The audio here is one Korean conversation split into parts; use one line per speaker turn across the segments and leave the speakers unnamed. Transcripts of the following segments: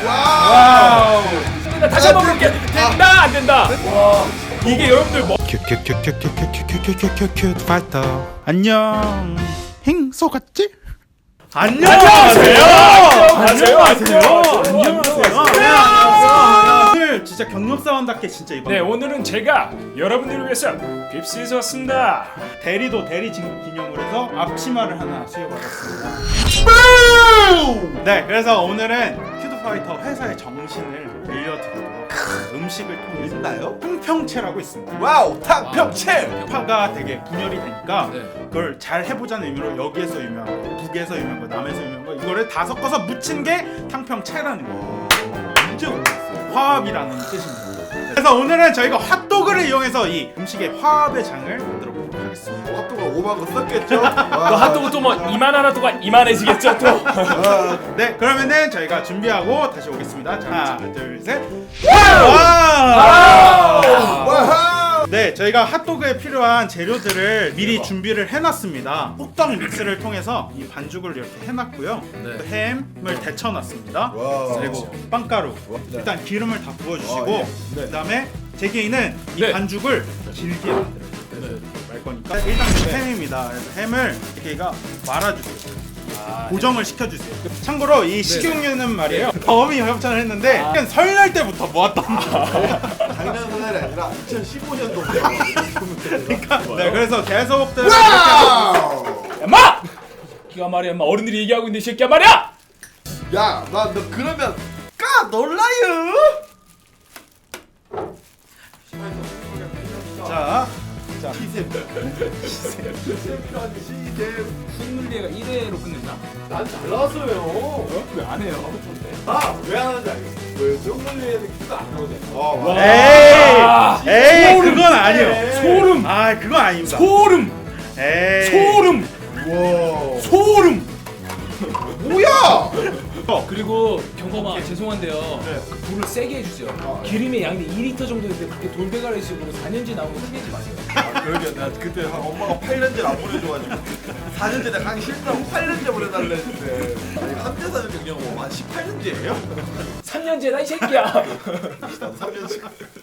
와우. 나 다시 한번 볼게. 된다 안 된다. 와. 이게 여러분들 뭐?
큐큐큐큐큐큐큐큐큐큐 파이터. 안녕. 행소같지?
안녕하세요.
오늘 진짜 경력사원답게 진짜 이번.
네, 오늘은 제가 여러분들을 위해서 빕스에서 왔습니다.
대리도 대리 진급 기념으로 해서 앞치마를 하나 수여받았습니다. 네, 그래서 오늘은 큐드파이터 회사의 정신을 들려드리도록 음식을 통해서
있나요?
탕평채라고 있습니다.
와우, 탕평채!
파가 되게 분열이 되니까
네.
그걸 잘 해보자는 의미로 여기에서 유명한 거, 북에서 유명한 거, 남에서 유명한 거 이거를 다 섞어서 묻힌 게 탕평채라는 거.
언제 오셨어요?
화합이라는 뜻입니다. 그래서 오늘은 저희가 핫도그를 이용해서 이 음식의 화합의 장을 만들어 보도록 하겠습니다.
핫도그 5만 거 썼겠죠?
또 핫도그 또 뭐 이만하나도가 이만해지겠죠 또.
네, 그러면은 저희가 준비하고 다시 오겠습니다. 자, 하나, 둘, 셋.
와우!
네, 저희가 핫도그에 필요한 재료들을 미리 준비를 해놨습니다. 호떡 믹스를 통해서 이 반죽을 이렇게 해놨고요. 또 햄을 데쳐놨습니다.
와우.
그리고 빵가루.
네.
일단 기름을 다 부어주시고
네.
그다음에 제게이는 이
네.
반죽을 길게 만들어요. 말 거니까 일단 햄입니다. 그래서 햄을 제게이가 말아주세요. 고정을 시켜주세요. 참고로 이 식용유는 말이에요. 범이 협찬을 했는데 설날 때부터 모았던 거예요.
작년 설날이 아니라 2015년도.
그러니까 네, 그래서 계속
와우!
엄마! 기가 말이야, 엄마 어른들이 얘기하고 있는데 이 새끼야 말이야!
야, 너 그러면 까 놀라요?
자,
시샘.
승률리가 1회로 끝낸다?
난잘 나왔어요.
왜 안 해요?
왜 안 하는지 알겠어. 왜 정글리에는 키가 안 나오잖아.
에이, 그건 아니에요.
소름!
아, 그건 아닙니다.
소름!
에이,
소름!
와.
소름!
뭐야?
그리고 경범아 죄송한데요. 그 불을 세게 해주세요. 기름의 양이 2리터 정도인데 그렇게 돌배가리식으로 4년째 나오는 거 흔들지 마세요.
그러게 나 그때 엄마가 8년째 안 보내줘가지고 4년째 내가 가기 싫다고 8년째 보내달라 했는데 아니 현대사는 경력 한 18년째예요?
3년째다 이 새끼야.
나도 3년째.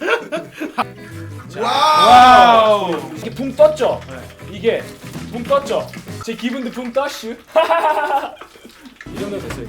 와우.
이게 붕 떴죠? 이게 붕 떴죠? 제 기분도 붕 떴슈. 이 정도 됐어요.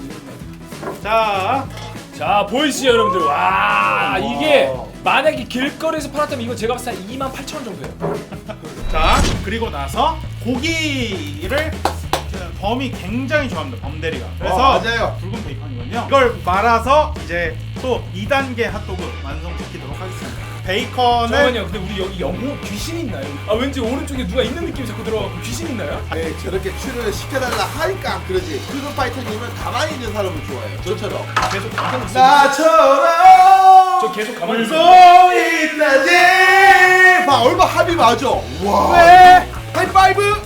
자 보이시죠 여러분들. 와 이게 만약에 길거리에서 팔았다면 이거 제가 봤을 때 28,000원 정도예요.
자, 그리고 나서 고기를 범이 굉장히 좋아합니다. 범대리가. 그래서
맞아요.
붉은 베이컨이거든요. 이걸 말아서 이제 또 2단계 핫도그 완성시키도록 하겠습니다. 베이컨을
잠깐만요. 근데 우리 여기 영호 귀신 있나요? 아 왠지 오른쪽에 누가 있는 느낌이 자꾸 들어가고 귀신 있나요?
네 저렇게 출연을 시켜달라 하니까 안 그러지. 푸드파이터님은 가만히 있는 사람을 좋아해요. 저처럼.
계속 가만히 있어.
나처럼
저 계속 가만히 있어.
소리 나지. 봐 얼마 합이 맞아. 와.
왜?
하이파이브.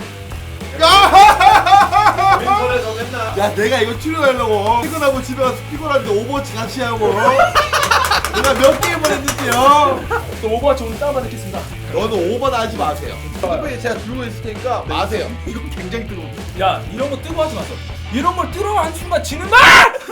야! 왼손에서 맨날. 야 내가 이거 출연하려고 퇴근하고 집에 가서 피곤한데 오버워치 같이 하고. 내가 몇 게임을 했는데요.
또 오버워치 오늘 다운받겠습니다.
너는 오버는 하지 마세요. 핸드폰에 제가 들고 있을 테니까 마세요.
이건 굉장히 뜨거워.
야 이런 거 뜨거 하지 마세요. 이런 걸 뜨거워 한 순간 지는 마!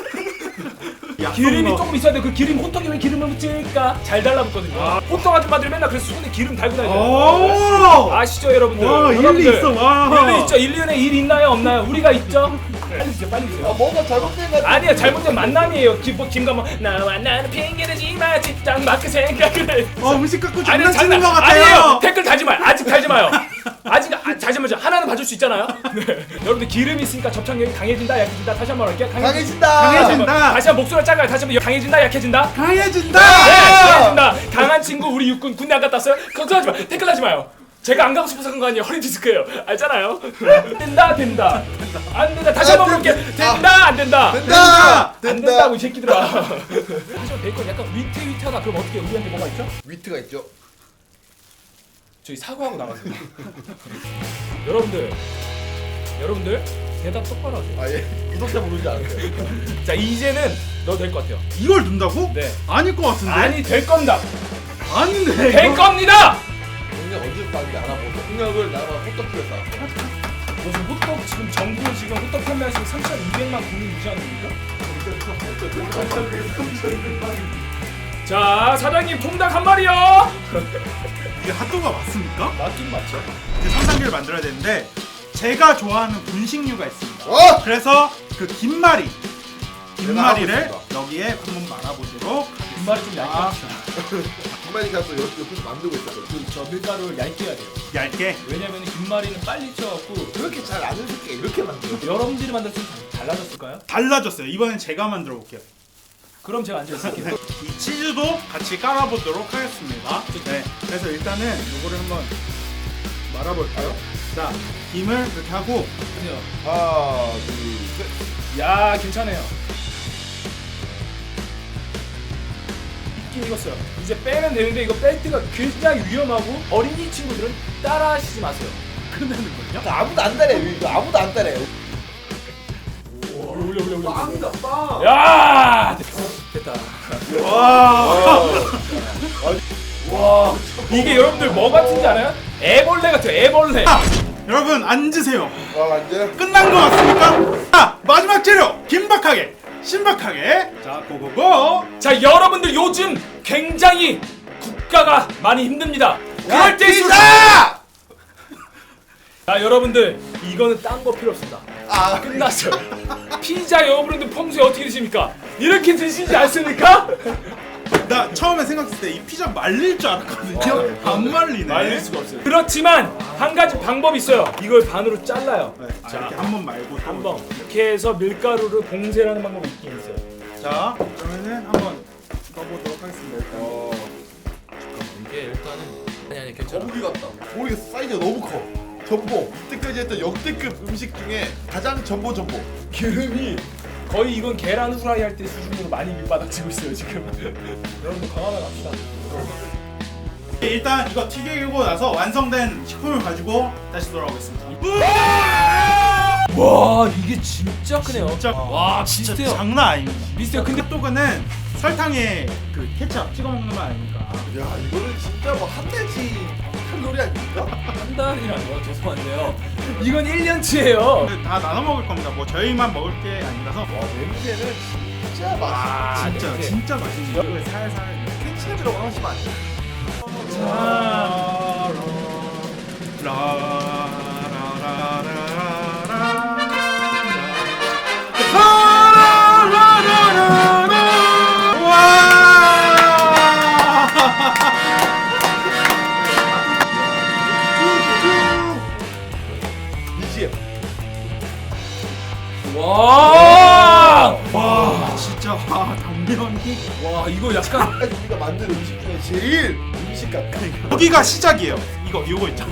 기름이 조금 있어야 돼. 그 기름 호떡에 왜 기름을 묻힐까? 잘 달라붙거든요. 호떡 아줌마들이 맨날 그래서 손에 기름 달고 다니잖아요.
오!
아시죠 여러분들?
와, 일리
여러분들.
있어. 와.
일리 있죠. 1년에 일 있나요 없나요? 우리가 있죠. 빨리 주세요 빨리 주세요.
뭔가 잘못된 것 같아.
아니야 잘못된 만남이에요. 김가만 나와 나는 핑계대지 마 직장 마크 생각을 해.
음식 갖고
아니,
장난치는 것
아니에요.
같아요.
댓글 달지 마요. 아직 달지 마요. 아직 잠시만요. 하나는 봐줄 수 있잖아요. 네. 여러분들 기름이 있으니까 접착력이 강해진다 약해진다. 다시 한번 할게요.
강해진다.
강해진다.
다시 한번 목소리 작아요. 다시 한번 강해진다 약해진다.
강해진다.
네, 강해진다. 강한 친구 우리 육군 군대 안 갔다 왔어요? 걱정하지 마. 댓글 하지 마요. 제가 안 가고 싶어서 그런 거 아니에요. 허리 디스크예요. 알잖아요. 된다. 안 된다. 다시 한번 볼게. 된다. 안 된다.
된다.
안 된다고 이 새끼들아. 하지만 베이컨 약간 위태위태하다. 그럼 어떻게 우리한테 뭐가 있죠?
위트가 있죠.
저희 사과하고 나가세요. 여러분들 대답 똑바로 하세요.
아 예. 구독자 부르지 않으세요.
자 이제는 너 될 것 같아요.
이걸 넣는다고?
네.
아닐 것 같은데.
아니 될 겁니다.
아닌데.
될 겁니다.
공략 언제 빠는지 알아보고 공략을 나랑 호떡집에 쌌어.
무슨 호떡 지금 정부 지금 호떡 판매하시고 3,200만 국민 유지하는 겁니까? 자 사장님 통닭 한 마리요.
이게 핫도그가 맞습니까?
맞긴 맞죠.
이제 3단계를 만들어야 되는데 제가 좋아하는 분식류가 있습니다.
어?
그래서 그 김말이를
하고
여기에 한번 말아보도록
김말이 좀 얇게
아.
합시다.
김만이가 또 옆에서 만들고 있었어.
저 밀가루를 얇게 해야 돼요.
얇게.
왜냐면 김말이는 빨리 쪄갖고
그렇게 잘 안 으스게 이렇게 만들어.
여러분들이 만들었으면 달라졌을까요?
달라졌어요. 이번엔 제가 만들어 볼게요.
그럼 제가 앉아있을게요.
이 치즈도 같이 깔아보도록 하겠습니다. 네. 그래서 일단은 이거를 한번 말아볼까요? 자, 김을 이렇게 하고
하나, 둘, 셋.
야 괜찮아요. 익긴 익었어요. 이제 빼면 되는데 이거 뺄 때가 굉장히 위험하고 어린이 친구들은 따라하시지 마세요. 끝나는거든요.
아무도 안 따래. 이거 아무도 안 따래.
올려.
빵이다 빵.
야 됐다.
와.
와 이게 여러분들 뭐 같은지 알아요? 애벌레 같아요. 애벌레.
여러분 앉으세요.
와 이제
끝난 거 같습니까? 자, 마지막 재료 긴박하게 신박하게. 자, 고고고.
자 여러분들 요즘 굉장히 국가가 많이 힘듭니다. 그럴 때일수록
피자!
자 여러분들 이거는 딴 거 필요 없습니다.
아
끝났어요. 피자 여러분들 평소에 어떻게 드십니까? 이렇게 드시지 않습니까?
나 처음에 생각했을 때 이 피자 말릴 줄 알았거든요. 안 말리네.
말릴 수가 없어요. 그렇지만 한 가지 방법이 있어요. 이걸 반으로 잘라요.
네,
자,
이렇게 한 번 말고 또
한 번. 이렇게 해서 밀가루를 봉쇄하는 방법이 있긴 있어요.
자, 그러면은 한번 넣어보도록 하겠습니다. 일단.
이게 일단은 아니 괜찮아.
거북이 같다. 거북이 사이즈가 너무 커. 전복. 이때까지 했던 역대급 음식 중에 가장 전보.
기름이 거의 이건 계란 후라이 할 때 수준으로 많이 밑바닥치고 있어요 지금. 여러분들 강하게 갑시다.
일단 이거 튀기고 나서 완성된 식품을 가지고 다시 돌아오겠습니다.
와 이게 진짜 크네요.
진짜
와
진짜
비슷해요.
장난 아닙니다.
비슷해요. 근데
핫도그는 설탕에 그 케첩 찍어 먹는 거 아닙니까?
야 이거는 진짜 뭐 한 달치 칼로리 아닙니까?
한 달이라뇨? 죄송한데요. 이건 1년치예요.
다 나눠 먹을 겁니다. 뭐 저희만 먹을 게 아니라서.
와 냄새는 진짜 맛있어.
아,
진짜
냄새.
진짜 맛있네요. 이거 살살.
케첩이라고 하시면 안 돼. 이지엠.
와!
와 진짜 와 당면이
와 이거 약간
우리가 만든 음식 중에 제일 음식 같다.
여기가 시작이에요. 이거 있죠.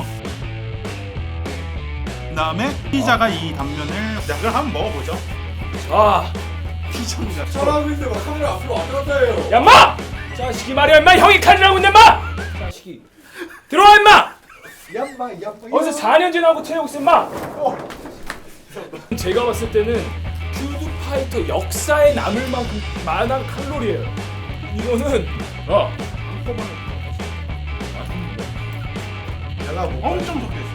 그다음에 피자가 이 단면을 그럼 한번 먹어보죠.
자,
피자입니다.
저라고 있는데 막 카메라 앞으로 왔다 갔다 해요.
야 인마! 자식이 말이야 인마 형이 칼이라고 있네 인마! 자식이 들어와 인마!
얌마.
어디서 4년째 나오고 태우고 있어 인마! 제가 봤을 때는 푸드파이터 역사에 남을 만큼 많은 칼로리예요. 이거는
달라 뭐.
엄청 적혀 있어요.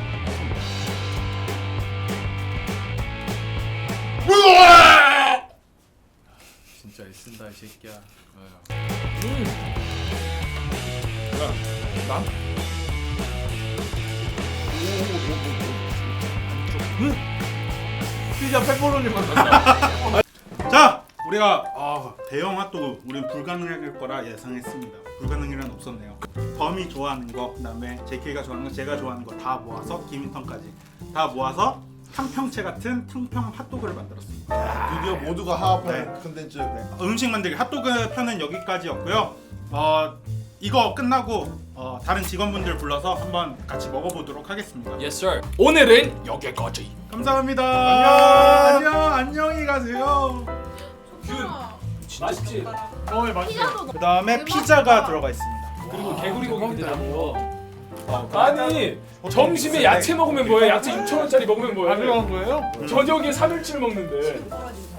진짜 애쓴다 이 새끼야.
피자 페퍼로니
자, 우리가 대형 핫도그 우리는 불가능할 거라 예상했습니다. 불가능이란 없었네요. 범이 좋아하는 거, 그다음에 JK가 좋아하는 거, 제가 좋아하는 거 다 모아서 김인턴까지 다 모아서 탕평채 같은 탕평 핫도그를 만들었습니다.
드디어 모두가 화합한
네.
컨텐츠.
음식 만들기 핫도그 편은 여기까지였고요. 이거 끝나고 다른 직원분들 불러서 한번 같이 먹어보도록 하겠습니다.
Yes sir. 오늘은 여기까지.
감사합니다. 안녕히 가세요.
맛있지?
피자도
그 다음에 피자가 들어가 있습니다.
그리고 개구리 고기 기대하고. 아니 점심에 야채 먹으면 뭐해? 야채 6,000원짜리 먹으면 뭐해?
거예요?
저녁에 3일치를 먹는데.